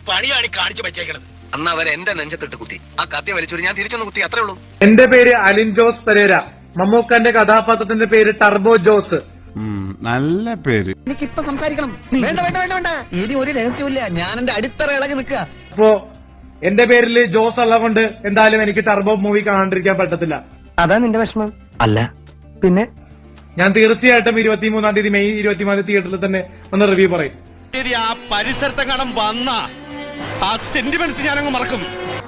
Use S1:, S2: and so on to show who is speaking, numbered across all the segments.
S1: പണിയാണ് കാണിച്ചു വെച്ചേക്കണത്.
S2: അന്ന് അവർ എന്റെ നെഞ്ചത്തിട്ട് കുത്തി, ആ കത്തി വലിച്ചൊരു ഞാൻ തിരിച്ചൊന്ന് കുത്തി, അത്രേ ഉള്ളൂ.
S3: എന്റെ പേര് അലിൻ ജോസ് പെരേര. മമ്മൂക്കന്റെ കഥാപാത്രത്തിന്റെ പേര് ടർബോ ജോസ്.
S4: നല്ല പേര്.
S5: എനിക്കിപ്പൊ സംസാരിക്കണം. വേണ്ട വേണ്ട വേണ്ട വേണ്ട, ഇനി ഒരു രഹസ്യമില്ല. ഞാൻ എന്റെ അടിത്തറ ഇളകി നിൽക്കുക.
S3: അപ്പോ എന്റെ പേരില് ജോസ് ഉള്ളതുകൊണ്ട് എന്തായാലും എനിക്ക് ടർബോ മൂവി കാണാണ്ടിരിക്കാൻ പറ്റത്തില്ല.
S5: അതാ നിന്റെ വിഷമം? അല്ല പിന്നെ
S3: ഞാൻ തീർച്ചയായിട്ടും 23-ാം തീയതി മെയ് 23 തിയേറ്ററിൽ തന്നെ ഒന്ന് റിവ്യൂ പറയും.
S6: ആ പരിസരത്തെ കാണാൻ വന്ന ആ സെന്റിമെന്റ്സ് ഞാനങ്ങ് മറക്കും.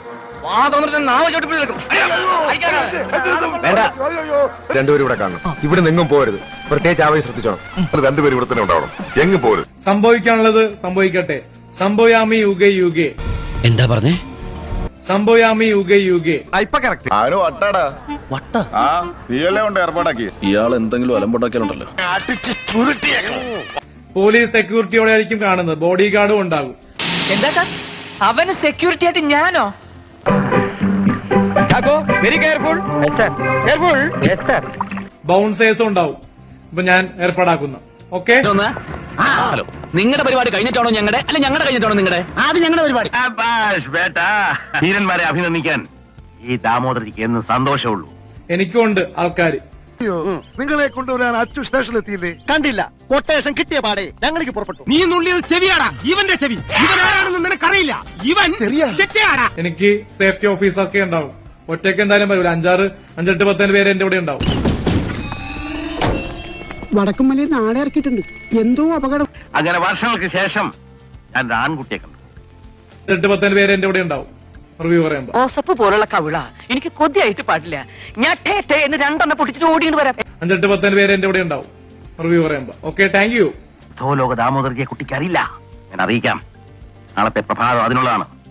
S7: രണ്ടുപേരും ഇവിടെ കാണണം. ഇവിടെ നിങ്ങും പോരുത്. പ്രത്യേകിച്ച് ആവേശം ശ്രദ്ധിച്ചോണം. രണ്ടുപേരും ഇവിടെ തന്നെ ഉണ്ടാവണം. എങ്ങും പോരുത്.
S3: സംഭവിക്കാനുള്ളത് സംഭവിക്കട്ടെ. സംഭവയാമി യുഗേ യുഗേ.
S1: എന്താ പറഞ്ഞേ?
S3: സംഭവയാമി യുഗേ യുഗേ.
S6: ഇപ്പൊ കറക്റ്റ്.
S7: ആരോ വട്ടാടാ.
S1: വട്ട
S7: ആ നീയല്ലേ കൊണ്ട് ഏർപ്പാടാക്കി.
S4: ഇയാൾ എന്തെങ്കിലും അലമ്പുണ്ടാക്കിയാലുണ്ടല്ലോ.
S3: പോലീസ് സെക്യൂരിറ്റിയോടെ ആയിരിക്കും കാണുന്നത്. ബോഡി ഗാർഡും ഉണ്ടാകും.
S5: എന്താ സാർ, അവന് സെക്യൂരിറ്റി ആയിട്ട് ഞാനോ? Very careful.
S3: ബൗൺസേഴ്സും ഉണ്ടാവും. ഇപ്പൊ ഞാൻ ഏർപ്പാടാക്കുന്ന. ഓക്കെ,
S1: ഹലോ, നിങ്ങളുടെ പരിപാടി കഴിഞ്ഞിട്ടാണോ ഞങ്ങളുടെ, അല്ല ഞങ്ങളുടെ കഴിഞ്ഞിട്ടാണോ നിങ്ങളുടെ? ആദ്യം ഞങ്ങളുടെ പരിപാടി.
S6: ധീരന്മാരെ അഭിനന്ദിക്കാൻ ഈ ദാമോദരയ്ക്ക് എന്ന് സന്തോഷമുള്ളൂ.
S3: എനിക്കും ഉണ്ട് ആൾക്കാര്.
S6: നിങ്ങളെ കൊണ്ടുവരാൻ അച്ചു സ്റ്റേഷനിൽ എത്തിയില്ലേ? കണ്ടില്ല. കൊട്ടേഷൻ കിട്ടിയ പാടെ ഞങ്ങൾക്ക് പുറപ്പെട്ടു.
S1: നീ നുള്ളിയത് ചെവിയാടാ, ഇവന്റെ ചെവി. ഇവൻ ആരാണെന്ന് നിനക്കറിയില്ല. ഇവൻ ചെറ്റയാടാ.
S3: എനിക്ക് സേഫ്റ്റി ഓഫീസൊക്കെ ഉണ്ടാവും. ഒറ്റയ്ക്ക് എന്തായാലും വരില്ല. 5-8 10 പേര് എന്റെ കൂടെ ഉണ്ടാവും.
S8: വടക്കുംമലയിൽ നാളെ ഇറക്കിയിട്ടുണ്ട്. എന്തോ അപകടം.
S6: അങ്ങനെ വർഷങ്ങൾക്ക് ശേഷം ഞാൻ ഒരു ആൺകുട്ടിയെ കണ്ടു.
S3: 8-10 പേര് എന്റെ കൂടെ ഉണ്ടാവും റിവ്യൂ പറയുമ്പോ.
S5: ഓസപ്പ് പോലുള്ള കവിള എനിക്ക് കൊതിയായിട്ട് പാടില്ല. ഞാൻ ടേ ടേ എന്ന് 2 പൊട്ടിച്ചിട്ട് ഓടിയിട്ട് വരാം.
S3: 5-8 പേര് എന്റെ കൂടെ ഉണ്ടാവും റിവ്യൂ പറയുമ്പോ. Okay, thank you.
S6: ലോക ദാമോദരയ്ക്ക് കുട്ടിക്ക് അറിയില്ല. ഞാൻ അറിയിക്കാം. നാളത്തെ പ്രഭാതം അതിനുള്ളതാണ്.